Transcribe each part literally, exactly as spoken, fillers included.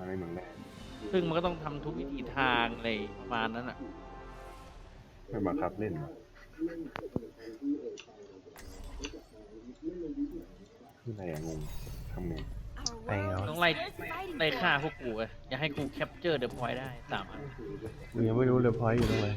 ในเมืองแรกซึ่งมันก็ต้องทำทุกวิถีทางอะไรประมาณนั้นอ่ะไม่บังคับเล่นคืออะไรอะงงทำไงไปเหรอต้องไล่ไล่ฆ่าพวกกูไงอย่าให้กูแคปเจอร์เดอะพอยต์ได้สามอันกูยังไม่รู้เลยพอยต์อยู่ตรงไหน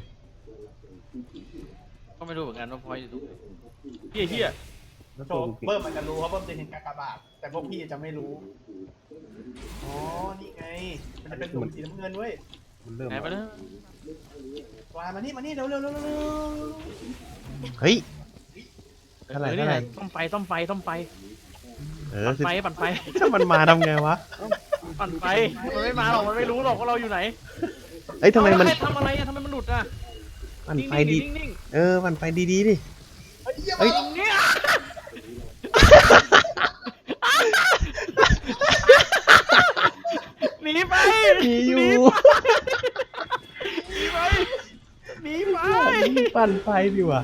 ก็ไม่รู้เหมือนกันว่าพอยต์อยู่ตรงไหนเฮียเฮียแล้วโชตัวว์กูเก่งเบิ้มมันจะรู้เพราะเบิ้มจะเห็นกากบาทแต่พวกพี่จะไม่รู้อ๋อนี่ไงมันจะเป็นหลุมสีน้ำเงินเว้ยมันเริ่มไหนไปแล้ววามานี่มานี่เร็วเร็วเร็วเร็วเฮ้ยเอเท่าไหร่อนี่เท่าไหร่แหละต้องไปต้องไปต้องไปเออปั่นคือไฟปั่นไฟถ้ามันมาทำไงวะปั่นไฟมันไม่มาหรอกมันไม่รู้หรอกว่าเราอยู่ไหนเอ้ยทำไมมันเอาแล้วใครทำอะไรอะทำไมมันหลุดอะมันนิ่งไฟๆดีดินิ่งเออมันไฟดีๆดิเฮ้ยเยี่ยมเฮ้ยมากๆเนี่ยหนีไปหนีอยู่หนีไปหนีไปปั่นไฟดีกว่า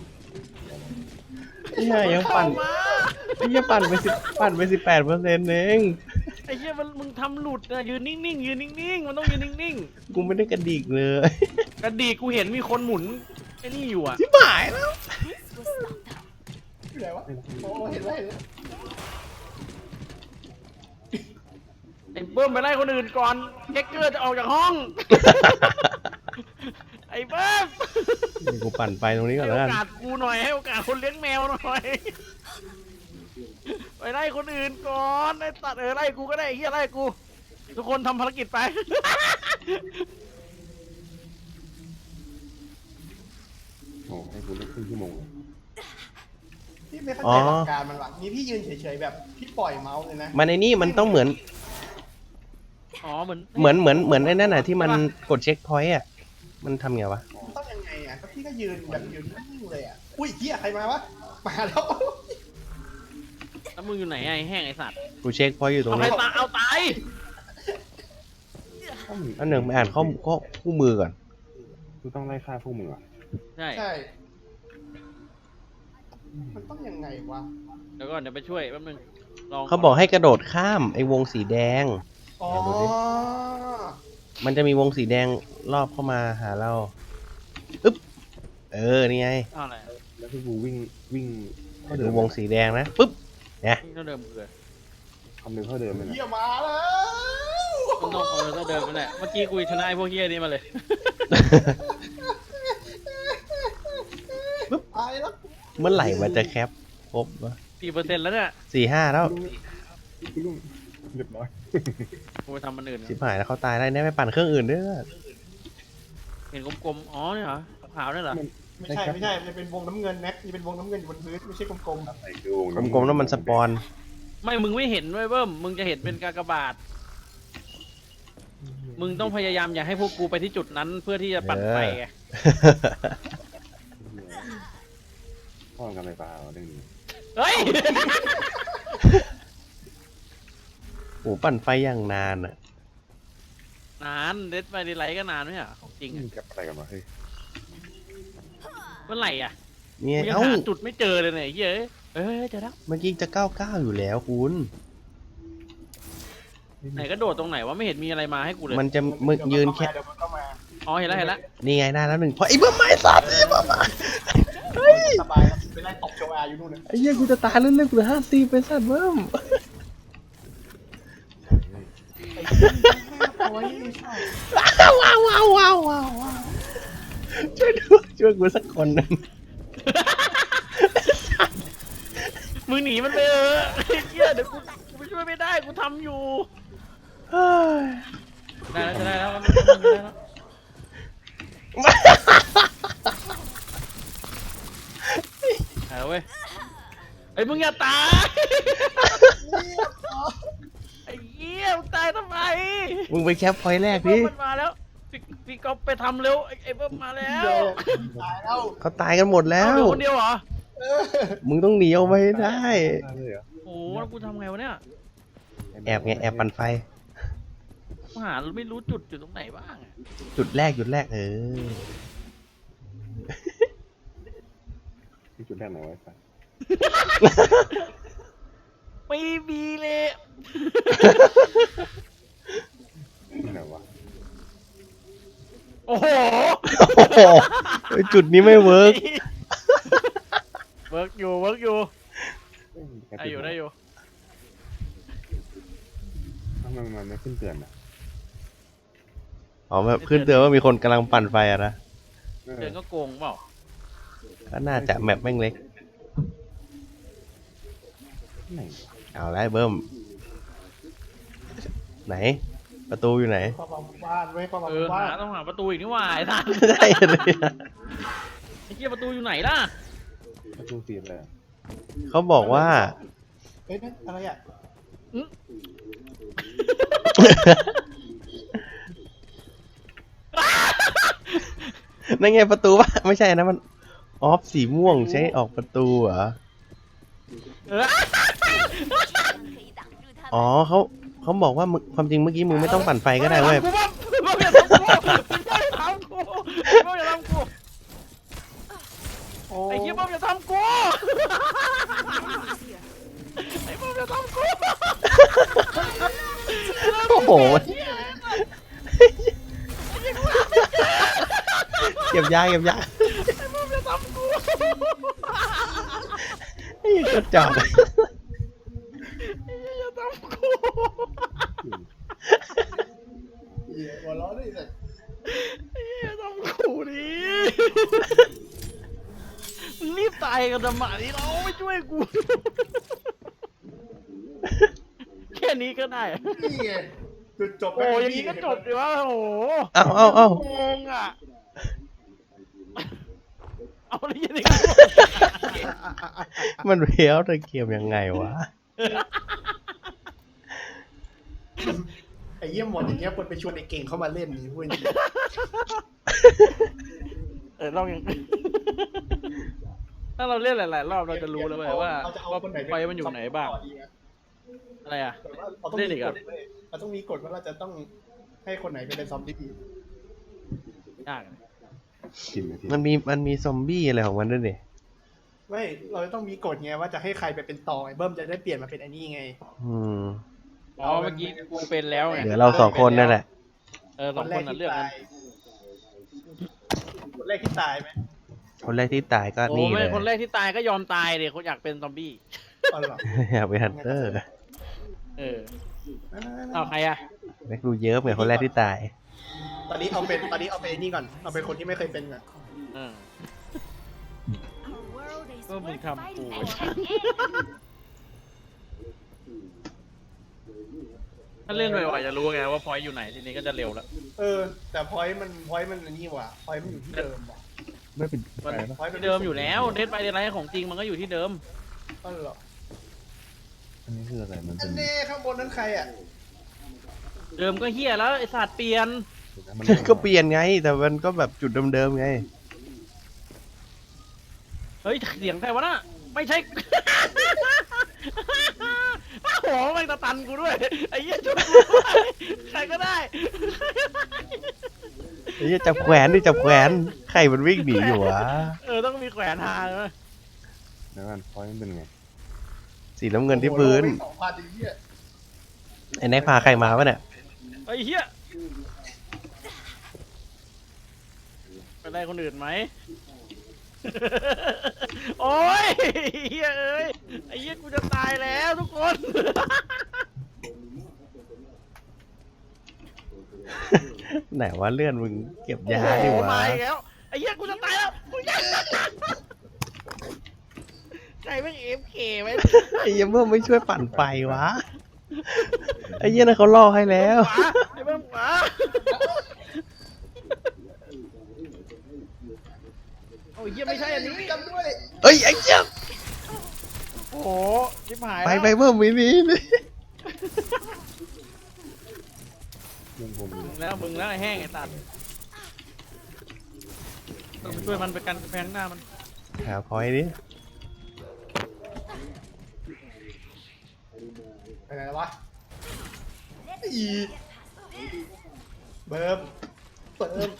เนี่ยยังปั่นเข้ามาไอ้เหี้ยปั่นไปสิบปั่นไปสิบแปดเปอร์เซ็นต์เองไอ้เหี้ยมันมึงทำหลุดนะยืนนิ่งๆยืนนิ่งๆมันต้องยืนนิ่งกูไม่ได้กระดิกเลยๆกระดีกกูเห็นมีคนหมุนไอ้นี่อยู่อะชิบหายแล้วอยู่ไหนวะโอ้เห็นแล้วเห็นแล้วไอ้เบิ้มไปไล่คนอื่นก่อนเจ๊กเกอร์จะออกจากห้อง ไอ้เบิ้มเดี๋ยวกูปั่นไฟตรงนี้ก่อนให้แล้วโอกันกาสกูหน่อยให้โอกาสคนเลี้ยงแมวหน่อย ไปไล่คนอื่นก่อนไอ้ตัดเออไล่กูก็ได้ไอ้เหี้ยไล่กู ทุกคนทำภารกิจไปโอ้ให้กูเล่นครึ่งชั่วโมงเลยพี่ไม่เข้าใจหลักการมันว่ะนี่พี่ยืนเฉยๆแบบพี่ปล่อยเมาส์เลยนะมันไอ้นี่มันต้องเหมือนอ๋อเหมือนเหมือนเหมือนเหมือนไอ้นั่นน่ะที่มันกดเช็คพอยต์อ่ะมันทำไงวะมันต้องยังไงอ่ะก็พี่ก็ยืนแบบยืนนิ่งๆเลยอ่ะอุ้ยเฮียใครมาวะมาแล้วแล้วมึงอยู่ไหนไอ้แห้งไอ้สัตว์กูเช็คพอยต์อยู่ตรงเอาใครนี้ตายเอาตายถ้ามึงอันหนึ่งไปอ่านข้อข้อคู่มือก่อนกูต้องไล่ฆ่าพวกมึงอ่ะใช่ใช่ มันต้องยังไงวะเดี๋ยวก่อนเดี๋ยวไปช่วยแป๊บนึงลองเขาบอกให้กระโดดข้ามไอ้วงสีแดงอ๋อดูดิ มันจะมีวงสีแดงรอบเข้ามาหาเราอึ๊บเออนี่ไงเอาอะไรแล้วที่กูวิ่งวิ่งเท่าเดิดูมวงสีแดงนะปึ๊บเนี่ยนี่เท่าเดิมเลยคำหนึ่งเท่าเดิมเลยนะเฮียมาแล้วมันต้องเอาเท่าเดิมนั่นแหละเมื่อกี้กูชนะไอ้พวกเหี้ยนี้มาเลยตายแล้วเมื่อไหร่มันจะแคปครบวะกี่เปอร์เซ็นต์แล้วเนี่ยสี่ห้าแล้วกูลุงเรียบร้อยกูไปทำมันอื่นชิบหายแล้วเขาตายได้เนี่ยไปปั่นเครื่องอื่นด้วยเห็นกลมๆอ๋อเนี่ยเหรอขาวๆเนี่ยเหรอไม่ใช่ไม่ใช่มันเป็นวงน้ำเงินแน็กนี่เป็นวงน้ำเงินอยู่บนพื้นไม่ใช่กลมไอ้คือวงกลมๆแล้วมันสปอนไม่มึงไม่เห็นด้วยเบิ้มมึงจะเห็นเป็นกากบาท มึงต้องพยายามอย่าให้พวกกูไปที่จุดนั้นเพื่อที่จะปั่นไฟไงพ่อกันไฟฟ้าเรื่องนี้เฮ้ยโอ้ปั่นไฟอย่างนานอ่ะนานเดดไปดีไลท์ก็นานไหมอ่ะของจริงมึอะงกับอะไรกันวะเฮ้ยเมื่อไหร่อ่ะเนี่ยกูยังเอ้าหาจุดไม่เจอเลยเนี่ยไอ้เหี้ยเอ้ยเอ้ยเจอแล้วเมื่อกี้จะเก้าเก้าอยู่แล้วคุณไหนก็โดดตรงไหนวะไม่เห็นมีอะไรมาให้กูเลยมันจะๆมึกยืนแค่เดี๋ยวมันก็มาอ๋อเห็นแล้วเห็นแล้วนี่ไงได้แล้วหนึ่งเพราะไอ้เบิ้มไม้สัตว์ไอ้เบิ้มอะสบายแล้วไปไล่ตบโจอาอยู่นู่นน่ะไอ้เหี้ยกูจะตายเรื่อยๆกูเหลือห้าสิบเป็นสัตว์เบิ้มโอ้ยใช่ว้าวว้าวว้าวว้าวว้าวช่วยด้วยช่วยกูสักคนหนึ่งมึงหนีมันไปเออไอ้เหี้ยเดี๋ยวกูกูไปช่วยไม่ได้กูทำอยู่เฮ้ยได้แล้วจะได้แล้วมันมันได้แล้วเอาเว้ยไอ้ยมึงอย่าตาย ไอ้เหี้ยมึงตายทำไมมึงไปแคปพอยต์แรกไอ้ดิเบิ้มมันมาแล้วพี่พี่ก๊อฟไปทำเร็วไอ้ไอ้เบิ้มมาแล้วตายแล้วเขาตายกันหมดแล้เอาวเหลือคนเดียวเหรอเออมึงต้องหนีออกไปให้ได้ได้เลยเหรอโอ้โหแล้วกูทำไงวะเนี่ยแอบไงแอบปั่นไฟกูหาไม่รู้จุดอยู่ตรงไหนบ้างอะจุดแรกจุดแรกเออที่จุดแรกไหนไว้สักไม่มีเลยเฮ้ยจุดนี้ไม่เวิร์กเวิร์กอยู่เวิร์กอยู่เอ้ยได้อยู่ได้อยู่ทำไมมันไม่ขึ้นเตือนอ่ะอ๋อแบบขึ้นเตือนว่ามีคนกำลังปั่นไฟอะนะเออเดินก็โกงเปล่าก็น่าจะแมปแม่งเล็กไหนเอาไรเบิ้มไหน ประตูอยู่ไหนความหวังบ้านไว้ความหวังเออบ้าหาน ต้องหาประตูอีกนี่หว่าไอ้ท่านได้เลยอะไอ้เหี้ยประตูอยู่ไหนล่ะประตูสีเลยอะเขาบอกว่าเฮ้ยนั่นอะไรอ่ะนั่นไงประตูวะไม่ใช่นะมันออฟสีม่วงใช้ออกประตูเหรอเอออ๋อเขาเขาบอกว่ามึงความจริงเมื่อกี้มึงไม่ต้องปั่นไฟก็ได้เว้ยกูว่ากูว่าอย่าทำกูอย่าทำกูกูอย่าทำกูโอ้ไอ้เหี้ยบ้าอย่าทำกูไอ้บ้าอย่าทำกูโอ้โหเก็บยาเก็บยาไอ้บ้าอย่าทำกูไอ้กระจอกไอ้เหี้ยอย่าทำกูเหี้ยหัวเร้อนเลยสัตว์ไอ้เหี้ยอย่าทำกูดิมึงรีบตายกันทำไมเราไม่ช่วยกูแค่นี้ก็ได้นี่ไงจุดจบโอ้ยอย่างนี้ก็จบดีวะโอ้โหเอาเอาเอางงอ่ะ เอาอะไรอย่างนี้มันเพี้ยวแต่เกมยังไงวะไอ้เยี่ยมหมดอย่างเงี้ยคนไปชวนไอ้เก่งเข้ามาเล่นนี่พูดจริงเออลองยังถ้าเราเล่นหลายๆรอบเราจะรู้แล้วเว้ยว่าเราจะเอาว่าคนไหนไฟมันอยู่ไหนบ้าง อะไรอ่ะแต่ว่าเราต้องเล่นมีอีกกเหรอฎเว้ยเราต้องมีกฎว่าเราจะต้องให้คนไหนเป็นซอมบี้ยากกินนาทีมันมีมันมีซอมบี้อะไรของมันด้วยนี่ไม่เราจะต้องมีกฎไงว่าจะให้ใครไปเป็นต่อไอ้เบิ้มจะได้เปลี่ยนมาเป็นไอ้นี่ไงอืมอ๋อเมื่อกี้กูเป็นแล้วไงเหลือเราสองคนนั่นแหละเออสองคนน่ะเลือกกันคนแรกที่ตายไหมคนแรกที่ตายก็โอ้นี่เลไม่ยคนแรกที่ตายก็ยอมตายเลยเขาอยากเป็นซอมบี้อ๋อเหรออยากเป็นฮันเตอร์เออนั่นๆๆเอาใครอ่ะแม็กดูเยอะเหมือนคนแรกที่ตายตอนนี้เอาเป็นตอนนี้เอาเป็นไอ้นี่ก่อนเอาเป็นคนที่ไม่เคยเป็นก่อนเออ ก็มึงทำกู ถ้าเล่นบ่อยๆจะรู้ไงว่าพอยต์อยู่ไหนทีนี้ก็จะเร็วแล้วเออ แต่พอยต์มันพอยต์มันอันนี่ว่ะพอยต์มันอยู่ที่เดิมว่ะไม่เป็นมันไรปะพอยต์มันที่เดิมอยู่แล้วเดทไปเดทไลท์ของจริงมันก็อยู่ที่เดิมอ๋อเหรออันนี้คืออะไรมันอัเป็น นนี้ข้างบนนั้นใครอ่ะเดิมก็เฮียแล้วไอศาสตร์เปลี่ยนมันก็เปลี่ยนไง แต่มันก็แบบจุดเดิมๆไงเฮ้ยเสียงใครวะน่ะไม่ใช่ โอ้โหแม่งตะตันกูด้วยไอ้เหี้ยช่วยกูด้วยใครก็ได้ไอ้เหี้ยจับแขวนดิจับแขวนใครมันวิ่งหนีอยู่วะเออต้องมีแขวนหาใช่ไหมแล้วมันพอยต์มันเป็นไงสีน้ำเงินที่พื้นโอ้โหโลไปสองพันไอ้เหี้ยไอ้แน็กพาใครมาวะเนี่ยไอ้เหี้ยไปได้คนอื่นไหม โอ้ยเหี้ยเอ้ยไอ้เหี้ยกูจะตายแล้วทุกคนไหนว่าเลื่อนมึงเก็บยาโอ้ดิโหวะมาอีกแล้วไอ้เหี้ยกูจะตายแล้วกูจะใครไม่เอฟเคไว้ไอ้เหี้ยเพิ่มไม่ช่วยปั่นไฟวะ ไอ้เหี้ยนั่นเขาล่อให้แล้วขวาไอ้เบิ้มขวาโอ้ยเหี้ยไม่ใช่อันนี้จำด้วยเอ้ยไอ้เหี้ยโอ้โหชิบหายไปแล้วไปเพิ่มมินินี่เรื่องผมอยู่แล้วมึงแล้วไอ้แห้งไอ้ตัดต้องไปช่วยมันไปกันกำแพงหน้ามันหาพอยดิไปไหนแล้ววะอีเบิ้มเบิ้ม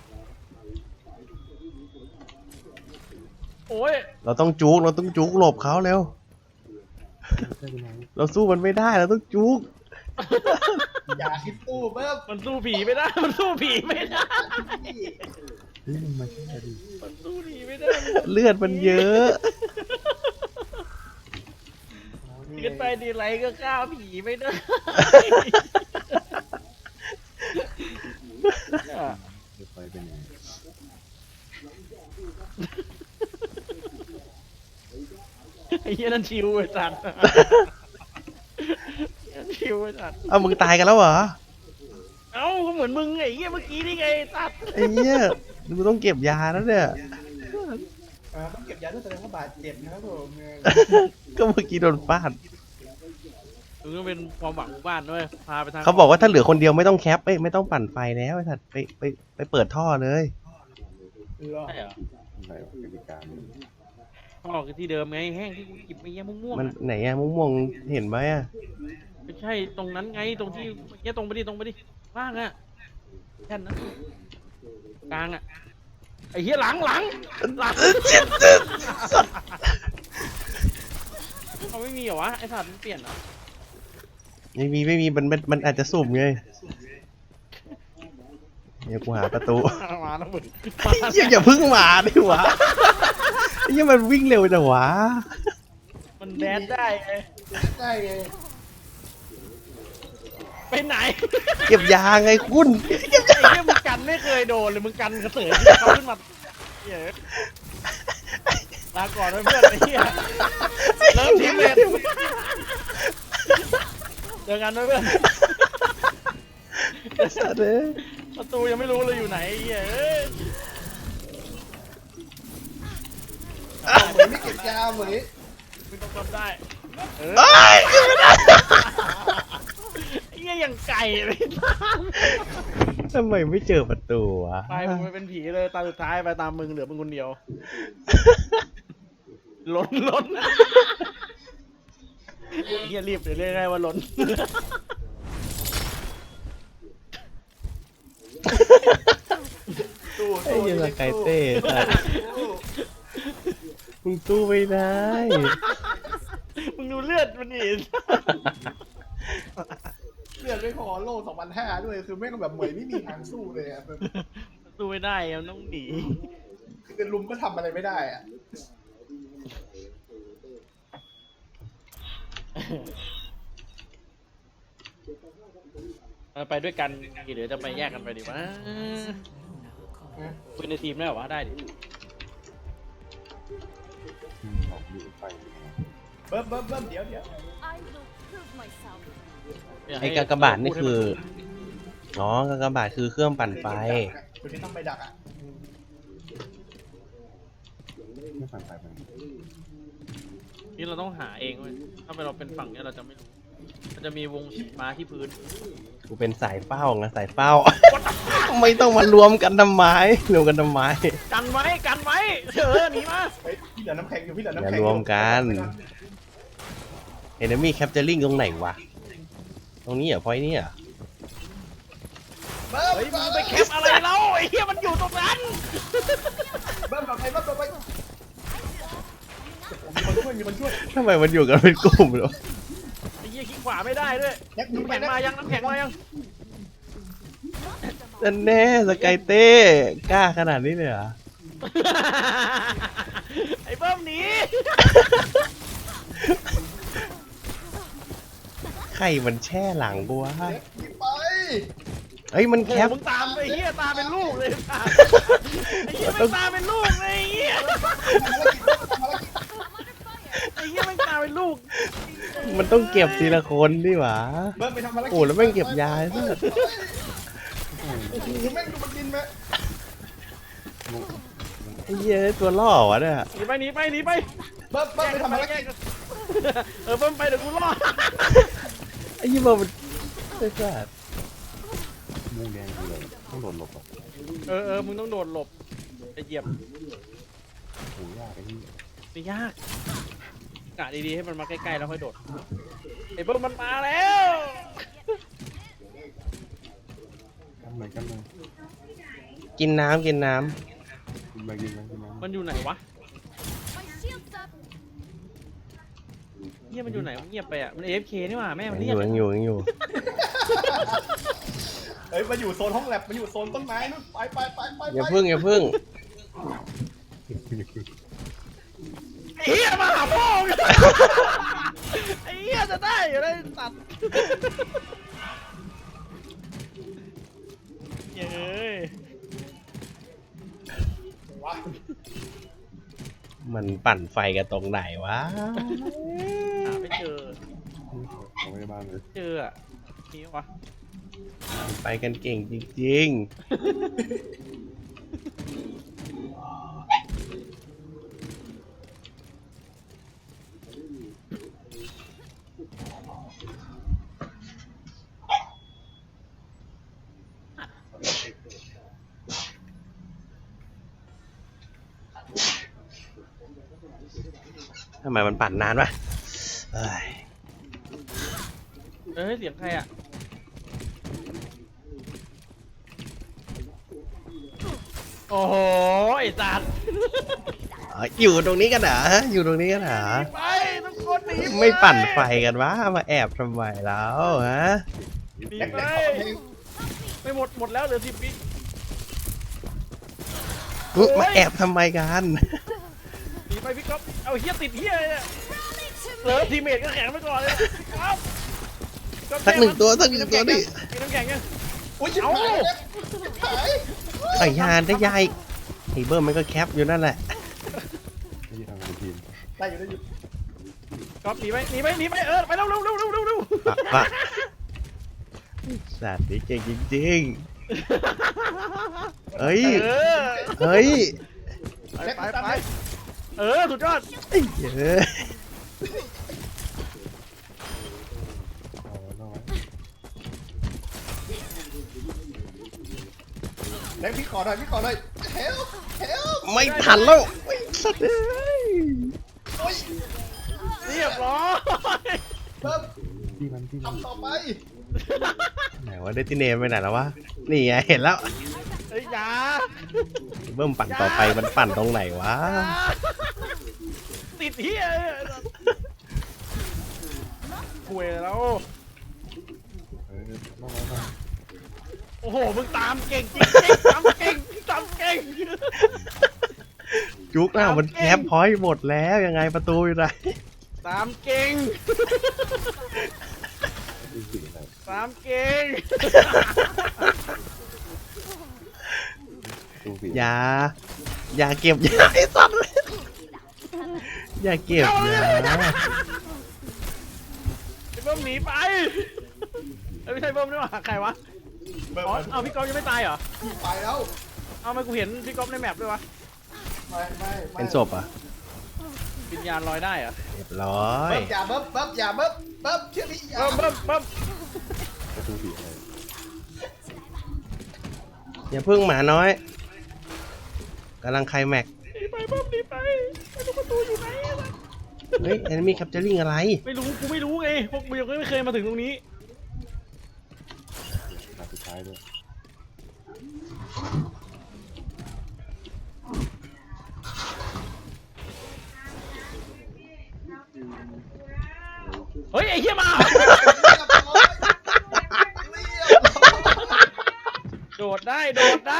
โอ้ยเราต้องจุกเราต้องจุกหลบเขาเร็วใช่ไหมเราสู้มันไม่ได้เราต้องจุกอย่าคิดตู้เบิ้มมันสู้ผีไม่ได้ มันสู้ผีไม่ได้เฮ้ยมึงมาแค่ดิมันสู้หนีไม่ได้เลือดมันเยอะขึ้นไปดีไรก็ฆ่าผีไม่ได้เดี๋ยวไฟเป็นยังไงไอ้เหี้ยนั่นชิวไอ้สัตว์นั่นชิวไอ้สัตว์เอามึงตายกันแล้วเหรอเอ้าก็เหมือนมึงไอ้เหี้ยเมื่อกี้นี่ไงไอ้สัตว์ไอ้เหี้ยมึงต้องเก็บยาแล้วเนี่ยอ่าต้องเก็บยาด้วยแสดงว่าบาดเจ็บนะครับผมเนี่ยก็เมื่อกี้โดนฟาดมึงก็เป็นความหวังของบ้านด้วยพาไปทางเขาบอกว่าถ้าเหลือคนเดียวไม่ต้องแคปเอ้ยไม่ต้องปั่นไฟแล้วไอ้สัตว์ไปไปไปเปิดท่อเลยเหรอใช่เหรออะไรวะกติกามันพ่อคือที่เดิมไงแห้งที่กูหยิบไปเยี่ยม่วงๆมันอะไหนอะม่วงๆเห็นไหมอะไม่ใช่ตรงนั้นไงตรงที่เนี้ยตรงไปดิตรงไปดิว่างอะแค่นั้นกลางอะไอ้เหี้ยหลังหลังหลังเขาไม่มีเหรอวะไอ้สัตว์มันเปลี่ยนเหรอไม่มีไม่มีมันมันมันอาจจะสุ่มไงเดี๋ยวกูหาประตูมาแล้วมึงเหี้ยอย่าเพึ่งมาดิวะเหี้ยมันวิ่งเร็วจังวะมันแดนได้ไงได้ไงไปไหนเก็บยาไงคุณไอ้เหี้ยมึงกันไม่เคยโดนเลยมึงกันกระเสือกเขาขึ้นมาเหี้ยลาก่อนไว้เพื่อนไอ้เหี้ยเริ่มทีมเลยเจอกันไว้เพื่อนสัตว์เอ้ยประตูยังไม่รู้เลยอยู่ไหนไอ้เหี้ยเอ้ยเหมือนไม่เก็บยาเหมือนมึงต้องทำได้เออเอ้ยเก็บไม่ได้ไอ้เหี้ยอย่างไก่เลยทำไมไม่เจอประตูวะไปมึงไปเป็นผีเลยตาสุดท้ายไปตามมึงเหลือมึงคนเดียวล้นล้นไอ้เหี้ยรีบเดี๋ยวเรียกได้ว่าล้นตู้ไอ้เหี้ยสกายเต้สัตว์มึงตู้ไม่ได้มึงดูเลือดมันอีกเลือดไม่พอโล่สองพันห้าด้วยคือแม่งแบบเหมยไม่มีทางสู้เลยอ่ะสู้ไม่ได้อะมันต้องหนีคือลุมก็ทำอะไรไม่ได้อ่ะเอาไปด้วยกันหรือจะไปแยกกันไปดีวะคุยในทีมได้เหรอวะได้ดิอืมออกดูไฟเป็นยังไงเบิ้มเบิ้มเบิ้มเดี๋ยวเดี๋ยว I will prove myself. ไอ้กากบาทนี่คืออ๋อกากบาทคือเครื่องปั่นไฟคุณที่ต้องไปดักอ่ะไม่ผ่านไฟเป็นยังไงนี่เราต้องหาเองเว้ยถ้าเราเป็นฝั่งเนี้ยเราจะไม่รู้มันจะมีวงสีม้าที่พื้นกูเป็นสายเฝ้าไงสายเฝ้า ไม่ต้องมารวมกันทำไมรวมกันทำไมกันไว้กันไว้เออหนีมาเฮ้ยพี่เหลือน้ำแข็งอยู่พี่เหลือน้ำอย่าแข็งรวมกันเห็นมีแคปเจอริงตรงไหนวะตรงนี้เหรอพอยนี่เหรอเบิ้มเฮ้ยมึงไปแคปอะไรเล่าไอ้เหี้ยมันอยู่ตรงนั้นเบิ้มต่อไปเบิ้มต่อไปมีคนช่วยมีคนช่วยทำไมมันอยู่กันเป็นกลุ่มเหรอไอ้เหี้ยขี้ขวาไม่ได้ด้วยยักษ์ดูน้ำไปแข็งนะมายังน้ำแข็งมายังนั่นแน่สกายเต้กล้าขนาดนี้เลยเหรอไอ้เบิ้มหนีใครมันแช่หลังกูวะยักษ์หนีไปเฮ้ยมันโอ้แคปมึงตามไอ้เหี้ยตามเป็นลูกเลยตามไอ้เหี้ยไม่ตามเป็นลูกเลยไอ้เหี้ยไอ้เหี้ยไม่ตามเป็นลูกมันต้องเก็บทีละคนดิวะเบิ้มไปทำภารกิจโอ้แล้วแม่งเก็บยาซะโอ้โหแม่งดูมันบินไหมไอ้เหี้ยตัวล่อวะเนี่ยหนีไปหนีไปหนีไปเบิ้มเบิ้มไปทำภารกิจเออเบิ้มไปเดี๋ยวกูรอดไอ้ยี่บอมันไอ้สัสม่วงแดงคืออะไรต้องโดนหลบอ่ะเออเออมึงต้องโดดหลบไปเหยียบโหยากไอ้นี่ไม่ยากกะดีๆให้มันมาใกล้ๆแล้วค่อยโดดไอ้เบิ้มมันมาแล้วกันเลยกันเลยกินน้ำกินน้กินไปกินไปกินน้ำมันอยู่ไหนวะ My shield's up. เงียบมันอยู่ไหนมันเงียบไปอ่ะมัน เอ เอฟ เค นี่หว่าแม่ำมันยังเงีอยบยู่ยังอยู่ยังอยู่เอ้ยมาอยู่โซนห้องแลบมาอยู่โซนต้นไม้นู่นไปไปไปไปอย่าพึ่งอย่าพึ่งไอ้เหี้ยมาหาพ่อมึงไอ้เหี้ยจะได้อยู่เลยสัตว์เย้ยวะมันปั่นไฟกันตรงไหนวะหาไม่เจอเอาไม่ได้บ้านเลยเจออ่ะมีวะไปกันเก่งจริงๆทำไมมันปั่นนานวะเอ้ยเอ้ยเสียงใครอ่ะโอ้โหไอ้สัตว์เอ้ยอยู่ตรงนี้กันเหรออยู่ตรงนี้กันเหรอไปทุกคนหนีไม่ปั่นไฟกันวะมาแอบทำไมแล้วฮะหนีแลกไปแลกเขาเองไม่หมดหมดแล้วเหลือสิบวิอุ๊ยมาแอบทำไมกันหนีไปพี่ก๊อฟเอาเฮียติดเฮียเลยเนี่ยเหลือทีเมทก็แข็งไปก่อนเลยพี่ก๊อฟพี่ก๊อฟสักหนึ่งตัวสักหนึ่งตัวดิมีน้ำแข็งยังอุ้ยชิบหายแล้วชิบหายใส่ยานได้ยายไอเบิร์มมันก็แคปอยู่นั่นแหละที่ทำเป็นทีมได้อยู่ได้อยู่ก๊อฟหนีไปหนีไปหนีไปเออไปเร็วเร็วเร็วเร็วเร็วเร็วปะปะสัตว์นี่เก่งจริงๆเฮ้ยเออเฮ้ยไปแลกไปตามไปไปเออสุดยอดเฮ้ยเอาไว้เอาไว้แลกพี่ขอหน่อยพี่ขอหน่อยเฮลเฮลไม่ทันแล้วไอ้สัตว์เอ้ยโอ้ยเรียบร้อยเบิ้มที่มันที่มันทำต่อไปไหนว่าเดติเนมไปไหนแล้ววะนี่ไงเห็นแล้วเฮ้ยอยาไอ้เบิร์มปั่นต่อไปมันปั่นตรงไหนวะติดเฮียคุยแล้วเออต้องไว้ต้องโอ้โหมึงตามเก่งจริงๆตามเก่งตามเก่งจุกหน้ามันแคปพอยต์หมดแล้วยังไงประตูอยู่ไหนตามเก่งดูสีอะไรตามเก่งดูสีอย่าอย่าเก็บอย่าไอ้สัตว์อย่าเก็บอย่าไอ้เบิ้มหนีไปเอ้ยไม่ใช่เบิ้มนี่หว่าใครวะเบิ้มอ๋อเอาพี่ก๊อฟยังไม่ตายเหรอไปแล้วเอาทำไมกูเห็นพี่ก๊อฟในแมปด้วยวะไม่ไม่ไม่เป็นศพอ่ะวิญญาณลอยได้เหรอเรียบร้อยเบิ้มอย่าเบิ้มเบิ้มอย่าเบิ้มเบิ้มเชื่อพี่อย่าเบิ้มเบิ้มเบิ้มประตูสีอะไรอย่าพึ่งหมาน้อยกำลังไคลแม็กซ์หนีไปเบิ้มหนีไปไอ้ลูกประตูอยู่ไหนวะเฮ้ยแอนมีแคปเจอริงอะไรไม่รู้กูไม่รู้ไงพวกมึงยังไม่เคยมาถึงตรงนี้ขาสุดท้ายด้วยเฮ้ยไอ้เหี้ยมา โดดได้โดดได้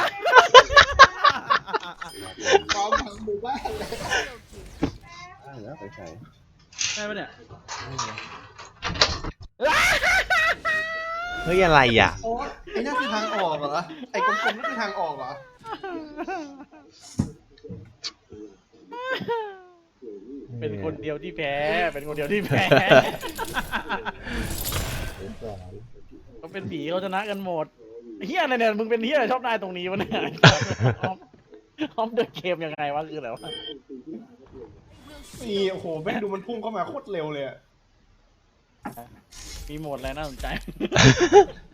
พร้อมทั้งหมู่บ้านเลยได้แล้วไปใส่ได้ปะเนี่ยเฮ้ยอะไรอ่ะโอ๊ตไอ้นั่นคือทางออกเหรอไอ้กลมๆนั่นคือทางออกเหรอเป็นคนเดียวที่แพ้ เป็นคนเดียวที่แพ้ เขาเป็นผีเขาชนะกันหมดเฮียอะไรเนี่ยมึงเป็นเฮียอะไรชอบนายตรงนี้วะเนี่ยออมออมเดินเกมยังไงวะคืออะไรวะนี่โอ้โหแม่งดูมันพุ่งเข้ามาโคตรเร็วเลยอะมีโหมดอะไรน่าสนใจ